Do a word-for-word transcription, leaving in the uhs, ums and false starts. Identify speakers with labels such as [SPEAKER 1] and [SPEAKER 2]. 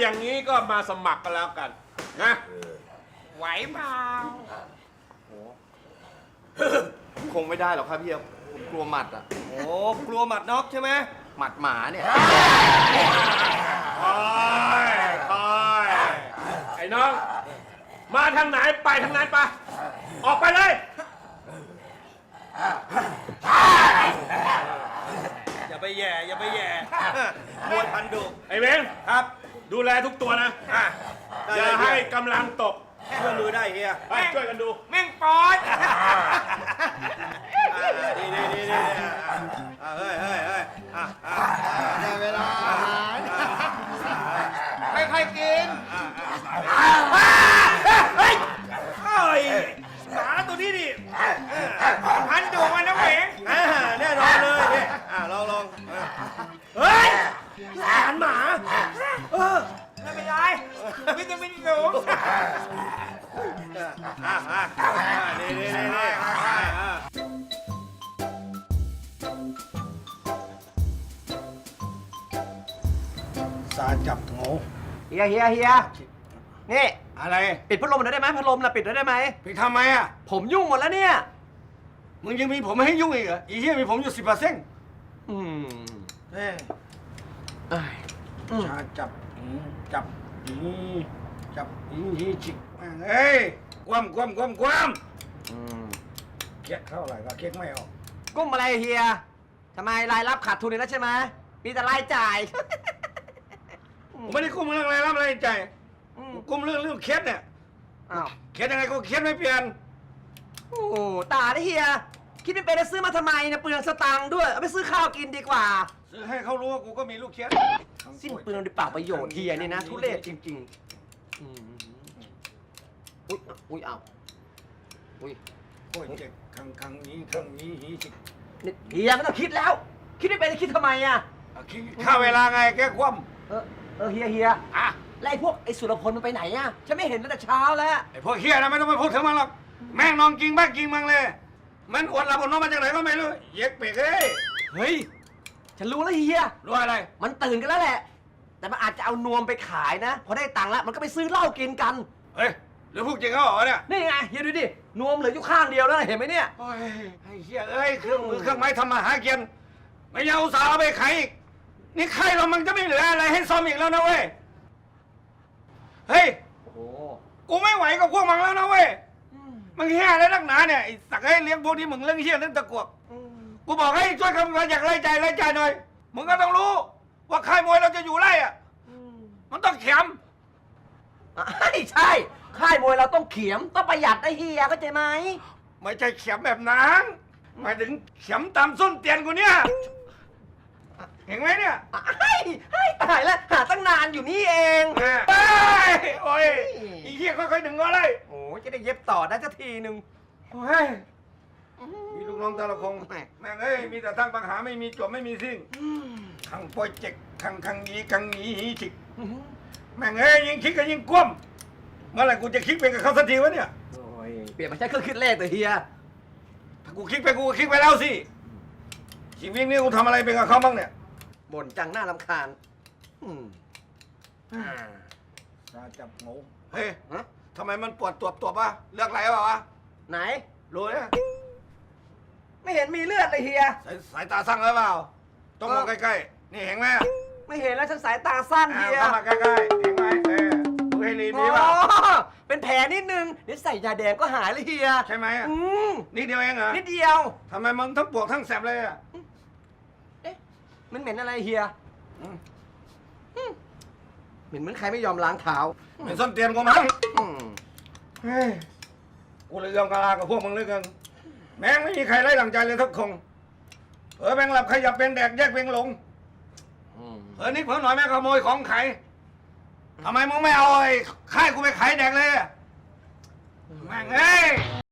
[SPEAKER 1] อย่างนี้ก็มาสมัครกันแล้วกันนะไหวเปล่า
[SPEAKER 2] คงไม่ได้หรอกครับพี่ผมกลัวหมัดอ่ะ
[SPEAKER 3] โอ้กลัวหมัดน็อกใช่ไหม
[SPEAKER 2] หมัดหมาเนี่ย
[SPEAKER 1] คอยคอยไอ้น้อง มาทางไหนไปทางนั้นไปออกไปเลย
[SPEAKER 3] อย่าไปแย่อย่าไปแย่มวยพันดุ
[SPEAKER 1] ไอ้เวง
[SPEAKER 3] ครับ
[SPEAKER 1] ดูแลทุกตัวนะ
[SPEAKER 3] อ่ะ
[SPEAKER 1] อย่าให้กำลังตก
[SPEAKER 3] ช่วยมือได้เฮีย
[SPEAKER 1] ไปช่วยกันดู
[SPEAKER 3] แม่งปอดดีดีดีดีเฮ้ยเฮ้ยเฮ้ยได้เวลาอาหารค่อยๆกินเฮ้ยเฮ้ยหมาตัวนี้ดิพันดุมันนะเหวงแน่นอนเลยเนี่ยลองลองเฮ้ยอาหารหมาเออไม่เป็นไรวิตามินสูงอ่าอ่านี่นี่นี่นี่สาจับงู
[SPEAKER 4] เฮียเฮียเฮียนี่
[SPEAKER 3] อะไร
[SPEAKER 4] ปิดพัดลมหน่อยได้ไหมพัดลมน่ะปิดหน่อยได้ไหม
[SPEAKER 3] พี่ทำไมอ่ะ
[SPEAKER 4] ผมยุ่งหมดแล้วเนี่ย
[SPEAKER 3] มึงยังมีผมไม่ให้ยุ่งอีกเหรออีเหี้ยมีผมอยู่สิบเปอร์เซ็นต์
[SPEAKER 4] อืม
[SPEAKER 3] เฮ้ย
[SPEAKER 4] เอ้ยอืม
[SPEAKER 3] ชาจับอืมจับอีจับอีฮีจิกเฮ้ยคว่ำคว่ำคว่ำคว่
[SPEAKER 4] อืม
[SPEAKER 3] ำเก๊กเท่าไหร่ก็เก๊กไม่ออก
[SPEAKER 4] กุ้มอะไรเฮียทำไมรายรับขาดทุนอีกแล้วใช่ไหมมีแต่รายจ่าย
[SPEAKER 3] ผมไม่ได้กุ้มเรื่องอะไรรับอะไรใจ
[SPEAKER 4] อืม
[SPEAKER 3] กุ้มเรื่องเรื่องเคสเนี่ย
[SPEAKER 4] อ้าว
[SPEAKER 3] เคสยังไงก็เคสไม่เปลี่ยน
[SPEAKER 4] โอ้โหตาได้เฮียคิดไม่เป็นจะซื้อมาทำไมเนี่ยเปลืองสตังค์ด้วยเอาไปซื้อข้าวกินดีกว่า
[SPEAKER 3] ซื้อให้เขารู้ว่ากูก็มีลูกเคส
[SPEAKER 4] สิ้นเปลืองโดยเปล่าประโยชน์เฮียนี่นะทุเรศจริงๆอืมอุ้ยอุ้ยเอาอุ้ย
[SPEAKER 3] โอ้ยเจ็บครั้งครั้งนี้ครั้งนี้ฮีจิก
[SPEAKER 4] นี่เฮียไม่ต้องคิดแล้ว คิดไม่เป็นจะคิดทำไมอ่ะ
[SPEAKER 3] ค่าเวลาไงแกคว่
[SPEAKER 4] เออเออเฮียเฮีย
[SPEAKER 3] ำอ่ะ
[SPEAKER 4] แล้วไอ้พวกไอ้สุรพลมันไปไหนอ่ะฉันไม่เห็นตั้งแต่เช้าแล้ว
[SPEAKER 3] ไอ้พวกเฮียนะไม่ต้องไปพูดถึงมันหรอกแม่งนอนกินบ้ากินมังเลย มันอวดหลับอดนอนมาจากไหนก็ไม่รู้เย็กเปกเอ้ย
[SPEAKER 4] เฮ้ยฉันรู้แล้วเฮีย
[SPEAKER 3] รู้อะไร
[SPEAKER 4] มันตื่นกันแล้วแหละ แต่มันอาจจะเอานวมไปขายนะพอได้ตังค์แล้วมันก็ไปซื้อเหล้ากินกัน
[SPEAKER 3] เฮ้ยหรือพูดจริงเขาเหรอเนี่ย
[SPEAKER 4] นี่ไงเฮียดูดินวมเหลืออยู่ข้างเดียวแล้วนะเห็นไหมเนี่ย
[SPEAKER 3] โอ้ยไอ้เฮียเอ้ยเครื่องมือเครื่องไม้ทำมาหากินไม่ยังอุตส่าห์เอาไปขายอีกนี่ใครเรามันจะไม่เหลืออะไรให้ซ่อมอีกแล้วนะเว้ยเฮ้ย
[SPEAKER 4] โอ้โห
[SPEAKER 3] กูไม่ไหวกับพวกมึงแล้วนะเว้ยมึงเฮียอะไรนักหนาเนี่ยไอ้สักให้เลี้ยงพวกที่มึงเลี้ยงเฮียเรื่องตะกวกกูบอกให้ช่วยคำนวณอยากไล่ใจไล่ใจหน่อยมึงก็ต้องรู้ว่าค่ายมวยเราจะอยู่ไล่อะมันต้องเข็ม
[SPEAKER 4] ใช่ใช่ค่ายมวยเราต้องเขียมต้องประหยัดนะเฮียเข้าใจไหม
[SPEAKER 3] ไม่ใช่เข็มแบบนั้นหมายถึงเข็มตามส้นเตียนกูเนี่ยเห็นไหมเนี่ย
[SPEAKER 4] ไอ้ไอ้ตายแล้วหาตั้งนานอยู่นี่เอง
[SPEAKER 3] เฮ้ยโอ้ยอีเหี้ยค่อยๆดึงก็เลย
[SPEAKER 4] โอ้จะได้เย็บต่อได้สักทีหนึ่ง
[SPEAKER 3] โอ้ยมีลูกน้องแต่ละคงแม่งเอ้ยมีแต่ทั้งปัญหาไม่มีจบไม่มีสิ้นขังโปรเจกต์ขังขังยีขังยีหีฉิกแม่งเอ้ยยิ่งคิดก็ยิ่งกลุ้มเมื่อไหร่กูจะคิดเป็นกับเขาสักทีวะเนี่ย
[SPEAKER 4] โอ้ยเปลี่ยนมาใช้เครื่องคิดเลขเลยเฮีย
[SPEAKER 3] ถ้ากูคิดไปกูก็คิดไปแล้วสิชีวิตนี้กูทำอะไรเป็นกับเขาบ้างเนี่ย
[SPEAKER 4] บ่นจังหน้ารำคาญอืม
[SPEAKER 3] ซาจับงูเฮ้ย
[SPEAKER 4] ฮะ
[SPEAKER 3] ทำไมมันปวดตัวตัววะเลือกอะไรเปล่าวะ
[SPEAKER 4] ไหน
[SPEAKER 3] รู้เนี่ย
[SPEAKER 4] ไม่เห็นมีเลือดเลยเฮีย
[SPEAKER 3] สายสายตาสั้นหรือเปล่า ต้องมอง
[SPEAKER 4] เออ
[SPEAKER 3] ใกล้ๆ นี่เห็นไหม
[SPEAKER 4] ไม่เห็นแล้วฉันสายตาสั้น
[SPEAKER 3] อ่า
[SPEAKER 4] เฮีย
[SPEAKER 3] เข้ามาใกล้ๆ เห็นไหมเออดูให้รี
[SPEAKER 4] อ๋
[SPEAKER 3] มีเปล่า
[SPEAKER 4] อเป็นแผลนิดนึงเดี๋ยวใส่ยาแดงก็หายเลยเฮีย
[SPEAKER 3] ใช่ไหมอ่ะ
[SPEAKER 4] อืม
[SPEAKER 3] นิดเดียวเองเหรอ
[SPEAKER 4] นิดเดียว
[SPEAKER 3] ทำไมมึงทั้งปวดทั้งแสบเลยอ่ะ
[SPEAKER 4] เอ๊ะมันเหม็นอะไรเฮีย
[SPEAKER 3] อืม
[SPEAKER 4] เหม็นเหมือนใครไม่ยอมล้างเท้า
[SPEAKER 3] เป็นส้นเตียนกูมั้ง
[SPEAKER 4] อืม
[SPEAKER 3] เฮ้ย กูเลยยอมกะลากับพวกมึงเหลยกันแม่งไม่มีใครไล่หลังใจเลยทุกคงเออแม่งหลับขยับเป็นแดกแยกเป็นหลง
[SPEAKER 4] อืม
[SPEAKER 3] เออนี่เพิ่งหน่อยแม่งขโมยของขายทำไมมึงไม่เอาไอ้ค่ายกูไปขายแดกเลยอะแม่งเอ้ย